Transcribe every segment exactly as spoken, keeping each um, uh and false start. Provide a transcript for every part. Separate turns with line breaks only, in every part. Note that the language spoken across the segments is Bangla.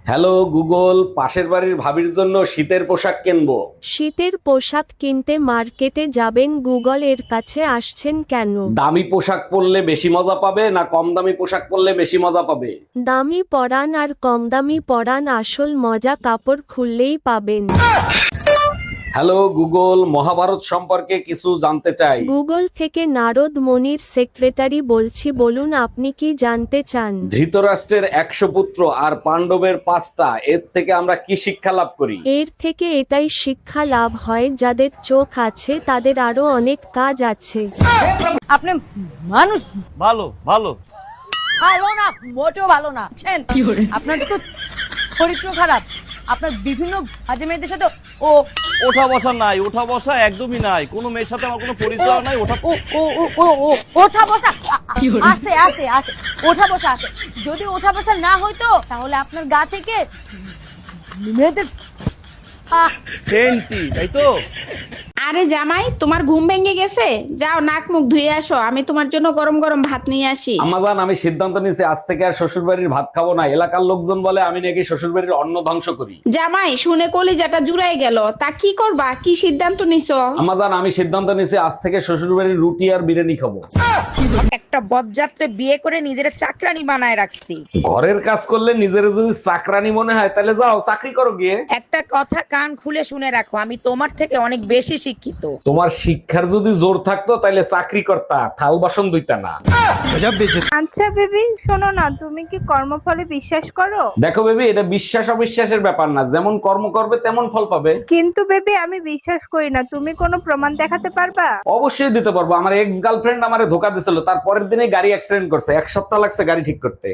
হ্যালো গুগল, পাশের বাড়ির ভাবির জন্য শীতের পোশাক কিনবো।
শীতের পোশাক কিনতে মার্কেটে যাবেন, গুগল এর কাছে আসছেন কেন?
দামি পোশাক পরলে বেশি মজা পাবে না কম দামি পোশাক পরলে বেশি মজা পাবে?
দামি পরান আর কম দামি পরান, আসল মজা কাপড় খুললেই পাবেন।
হ্যালো গুগল, মহাভারত সম্পর্কে কিছু জানতে চাই।
গুগল থেকে নারদ মনির সেক্রেটারি বলছি, বলুন আপনি কি জানতে চান?
ধৃতরাষ্ট্রের একশো পুত্র আর পাণ্ডবের পাঁচটা, এর থেকে আমরা কি শিক্ষা লাভ করি?
এর থেকে এটাই শিক্ষা লাভ হয়, যাদের চোখ আছে তাদের আরো অনেক কাজ আছে।
আপনি মানুষ
ভালো ভালো
ভালো না, মোটেও ভালো না। বুঝছেন? আপনার তো চরিত্র খারাপ। আপনার বিভিন্ন বাজে মেয়েদের সাথে ও
ওঠা বসা নাই, ওঠা বসা একদমই নাই, কোনো মেয়ের সাথে আমার কোনো পরিচয় নাই। ওঠা
ও ও ও ও ও ওঠা বসা আ- আ- আছে আছে আছে ওঠা বসা আছে। যদি ওঠা বসা না হইতো তাহলে আপনার গা থেকে মেয়েদের আহ,
সেন্টি, তাই তো?
আরে জামাই, তোমার ঘুম ভেঙে গেছে? যাও নাক মুখ ধুয়ে আসো, আমি তোমার জন্য গরম গরম ভাত নিয়ে আসি।
আমাজান, আমি সিদ্ধান্ত নিয়েছি আজ থেকে আর শ্বশুর বাড়ির ভাত খাবো না। এলাকার লোকজন বলে আমি নাকি শ্বশুর বাড়ির অন্ন ধ্বংস করি।
জামাই, শুনে কলিজাটা জুড়াই গেল। তা কি করবা, কি সিদ্ধান্ত নিছো?
আমাজান, আমি সিদ্ধান্ত নিয়েছি আজ থেকে শ্বশুর বাড়ির রুটি আর বিরিয়ানি খাবো।
একটা বজ্জাত্রে বিয়ে করে নিজের চাকরানি বানায় রাখছি।
ঘরের কাজ করলে নিজের যদি চাকরানি মনে হয় তাহলে যাও চাকরি করো গিয়ে।
একটা কথা কান খুলে শুনে রাখো, আমি তোমার থেকে অনেক বেশি শিক্ষিত।
তোমার শিক্ষার যদি জোর থাকতো তাহলে চাকরি করতা, থাল বাসন ধুইতা না।
আচ্ছা বেবি, শোনো না, তুমি কি কর্মফলে বিশ্বাস করো?
দেখো বেবি, এটা বিশ্বাস অবিশ্বাসের ব্যাপার না, যেমন কর্ম করবে তেমন ফল পাবে।
কিন্তু বেবি, আমি বিশ্বাস করি না। তুমি কোনো প্রমাণ দেখাতে পারবা?
অবশ্যই দিতে পারবো। আমার এক্স গার্লফ্রেন্ড আমারে ধোকা দিছিল, তার পরের দিনে গাড়ি অ্যাক্সিডেন্ট করছে, এক সপ্তাহ লাগছে গাড়ি ঠিক করতে।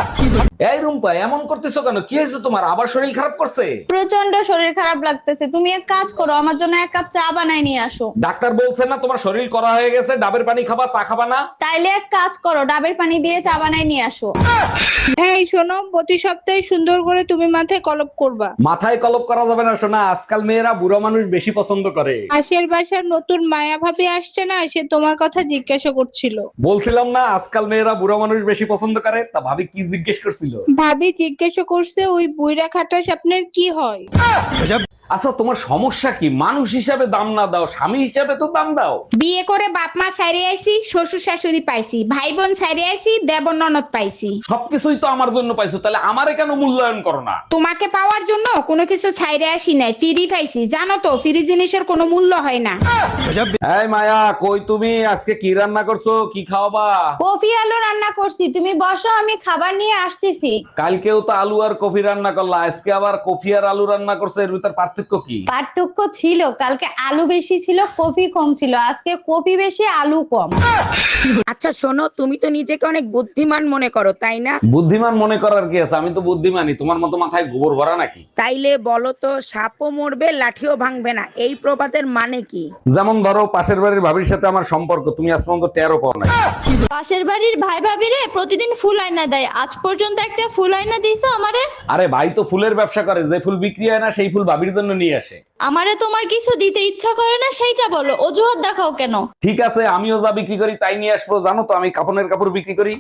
এই রুম্পা, এমন করতেছো কেন? কি হয়েছে তোমার? আবার শরীর খারাপ করছে?
প্রচন্ড শরীর খারাপ লাগতেছে। তুমি এক কাজ করো, আমার জন্য এক কাপ চা বানায় নিয়ে আসো।
ডাক্তার বলছে না তোমার শরীর করা হয়ে গেছে, ডাবের পানি খাবা, চা খাবা না?
তাইলে এক কাজ করো, ডাবের পানি দিয়ে চা বানায় নিয়ে আসো।
এই শোনো, প্রতি সপ্তাহে সুন্দর করে তুমি মাথায় কলপ করবা।
মাথায় কলপ করা যাবে না শোনা, আজকাল মেয়েরা বুড়ো মানুষ বেশি পছন্দ করে।
পাশের বাসার নতুন মায়া ভাবি আসছে না, সে তোমার কথা জিজ্ঞাসা করছিল।
বলছিলাম না আজকাল মেয়েরা বুড়ো মানুষ বেশি পছন্দ করে, তা ভাবি কি জিজ্ঞেস করছিল?
ভাবি জিজ্ঞাসা করছে, ওই বুইরা খাটাস আপনার কি হয়?
আচ্ছা, তোমার সমস্যা কি? মানুষ হিসাবে দাম না দাও, স্বামী হিসাবে তো দাম দাও।
বিয়ে করে বাপ মা ছাইরে আইছি, শ্বশুর শাশুড়ি পাইছি, ভাই বোন ছাইরে আইছি, দেবর ননদ পাইছি।
সবকিছুই তো আমার জন্য পাইছো, তাহলে আমারে কেন মূল্যায়ন করো না?
তোমাকে পাওয়ার জন্য কোনো কিছু ছাইরে আসি নাই, ফ্রি পাইছি। জানো তো, ফ্রি জিনিসের কোনো মূল্য হয় না।
এই মায়া, কই তুমি? আজকে কি রান্না করছো? কি খাওয়াবা?
কফি আলু রান্না করছি, তুমি বসো, আমি খাবার নিয়ে আসতেছি।
কালকেও তো আলু আর কফি রান্না করলা, আজকে আবার কফি আর আলু রান্না করছো, এর ভিতর পার্থক্য কি?
পার্থক্য ছিল, কালকে আলু বেশি ছিল, কফি কম ছিল। আজকে কফি বেশি, আলু কম।
আচ্ছা শোনো, তুমি তো নিজেকে অনেক বুদ্ধিমান মনে করো, তাই না?
বুদ্ধিমান মনে করার কি আছে? আমি তো বুদ্ধিমানই। তোমার মতো মাথায় গোবর ভরা নাকি?
তাইলে বলো তো, সাপও মরবে লাঠিও ভাঙবে না, এই প্রবাদের মানে কি?
যেমন ধরো, পাশের বাড়ির ভাবির সাথে আমার সম্পর্ক তুমি আজ পর্যন্ত টেরও পাও না।
পাশের বাড়ির ভাই ভাবিরে প্রতিদিন ফুল আয়না দেয়, আজ পর্যন্ত একটা ফুল আয়না দিছো আমারে?
আরে ভাই তো ফুলের ব্যবসা করে, যে ফুল বিক্রি হয় না সেই ফুল ভাবির জন্য নিয়ে আসে।
আমারে তোমার কিছু দিতে ইচ্ছা করে না, সেইটা বলো, অজুহাত দেখাও কেন?
ঠিক আছে, আমিও যা বিক্রি করি তাই নিয়ে আসবো। জানো তো আমি কাপড়ের কাপড় বিক্রি করি।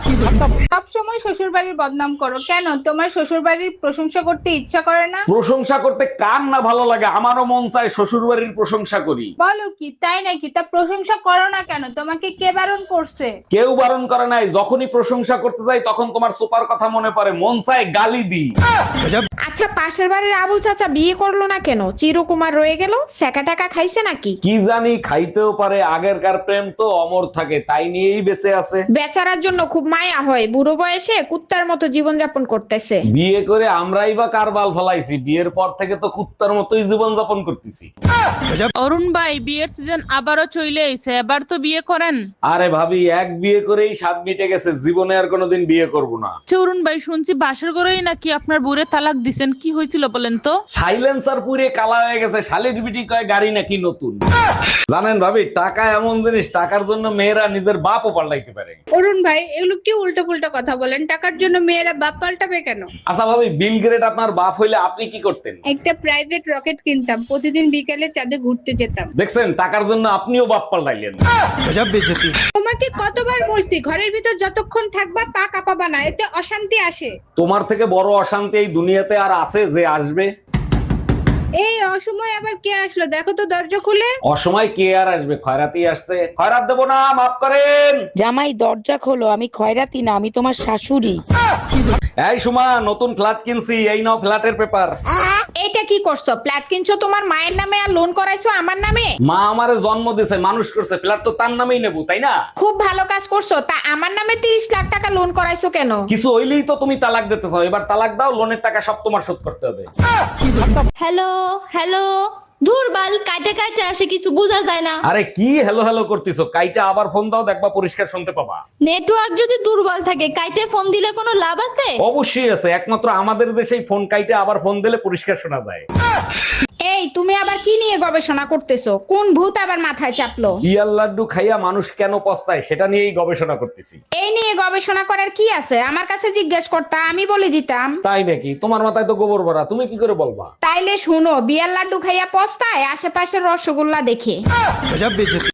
সব সময় শ্বশুর বাড়ির বদনাম করো কেন? তোমার শ্বশুর বাড়ির প্রশংসা করতে ইচ্ছা করে না?
প্রশংসা করতে কার না ভালো লাগে? আমারও মন চায় শ্বশুর বাড়ির প্রশংসা করি।
বলো কি, তাই নাকি? তা প্রশংসা করো না কেন? তোমাকে কে বারণ করছে?
কেউ বারণ করে নাই, যখনই প্রশংসা করতে যাই তখন তোমার সুপার কথা মনে পড়ে, মন চায় গালি দি।
আচ্ছা, পাশের বাড়ির আবুল চাচা বিয়ে করলো না কেন? চিরকুমার রয়ে গেল, সেকা টাকা খাইছে নাকি?
কি জানি, খাইতেও পারে। আগেরকার প্রেম তো অমর থাকে, তাই নিয়েই বেঁচে আছে।
বেচারার জন্য খুব মায়া হয়, বুড়ো বয়সে কুত্তার মতো জীবন যাপন করতেছে।
বিয়ে করে আমরাই বা কার বাল ফলাইছি? বিয়ের পর থেকে তো কুত্তার মতোই জীবন যাপন করতেছি।
অরুণ ভাই, বিয়ের সিজন আবারও চলে এসে, এবার তো বিয়ে করেন।
আরে ভাবি, এক বিয়ে করেই স্বাদ মিটে গেছে, জীবনে আর কোনোদিন বিয়ে করব না।
আচ্ছা অরুণ ভাই, শুনছি বাসর ঘরেই নাকি আপনার বুড়ে তালাক দিছেন, কি হয়েছিল বলেন তো?
সাইলেন্সার পুরে কালা হয়ে গেছে, শালির বিটি কয় গাড়ি নাকি নতুন। জানেন ভাবি, টাকা এমন জিনিস, টাকার জন্য মেয়েরা নিজের বাপও পাল্টাইতে পারে।
অরুণ ভাই এগুলো কি উল্টো পুল্টো কথা বলেন? টাকার জন্য মেয়েরা বাপ পাল্টাবে কেন?
আচ্ছা ভাবি, বিল গ্রেড আপনার বাপ হইলে আপনি কি করতেন?
একটা প্রাইভেট রকেট কিনতাম, প্রতিদিন বিকালে চাঁদে ঘুরতে যেতাম।
দেখছেন, টাকার জন্য আপনিও বাপ পাল্টাইলেন।
তোমাকে কতবার বলছি ঘরের ভিতর যতক্ষণ থাকবা পা কাঁপাবা না, এতে অশান্তি আসে।
তোমার থেকে বড় অশান্তি এই দুনিয়াতে আর আছে যে আসবে?
এই অসময় আবার কে আসলো দেখো তো, দরজা খুলে।
অসময় কে আর আসবে? খয়রাতি আসছে। খয়রাত দেবো না, মাফ করেন।
জামাই দরজা খোলো, আমি খয়রাতি না, আমি তোমার শাশুড়ি।
এই সুমা, নতুন ফ্ল্যাট কিনছি, এই নাও ফ্ল্যাটের পেপার।
এইটা কি করছো? ফ্ল্যাট কিনছো তোমার মায়ের নামে আর লোন করাইছো আমার নামে?
মা আমারে জন্ম দিছে, মানুষ করছে, ফ্ল্যাট তো তার নামেই নেবো, তাই না?
খুব ভালো কাজ করছো। তা আমার নামে তিরিশ লাখ টাকা লোন করাইছো কেন?
কিছু হইলেই তো তুমি তালাক দিতে চাও। এবার তালাক দাও, লোনের টাকা সব তোমার শোধ করতে হবে।
হ্যালো হ্যালো, দুর্বল কাটে কাটে আসে, কিছু বোঝা যায় না।
আরে কি হ্যালো হ্যালো করতেছো? কাইটা আবার ফোন দাও, দেখবা পরিষ্কার শুনতে পাবা।
নেটওয়ার্ক যদি দুর্বল থাকে কাইটে ফোন দিলে কোনো লাভ আছে?
অবশ্যই আছে, একমাত্র আমাদের দেশেই ফোন কাইটা আবার ফোন দিলে পরিষ্কার শোনা যায়।
এই তুমি আবার কি নিয়ে গবেষণা করতেছো? কোন ভূত আবার মাথায় চাপলো?
ইয়ার লাড্ডু খাইয়া মানুষ কেন পস্তায় সেটা নিয়েই গবেষণা করতেছি।
এই নিয়ে গবেষণা করার কি আছে? আমার কাছে জিজ্ঞেস করতা, আমি বলে দিতাম।
তাই নাকি? তোমার মাথায় তো গোবর ভরা, তুমি কি করে বলবা?
তাইলে শুনো, বিয়ার লাড্ডু খাইয়া পস্তায় আশেপাশের রসগোল্লা দেখে।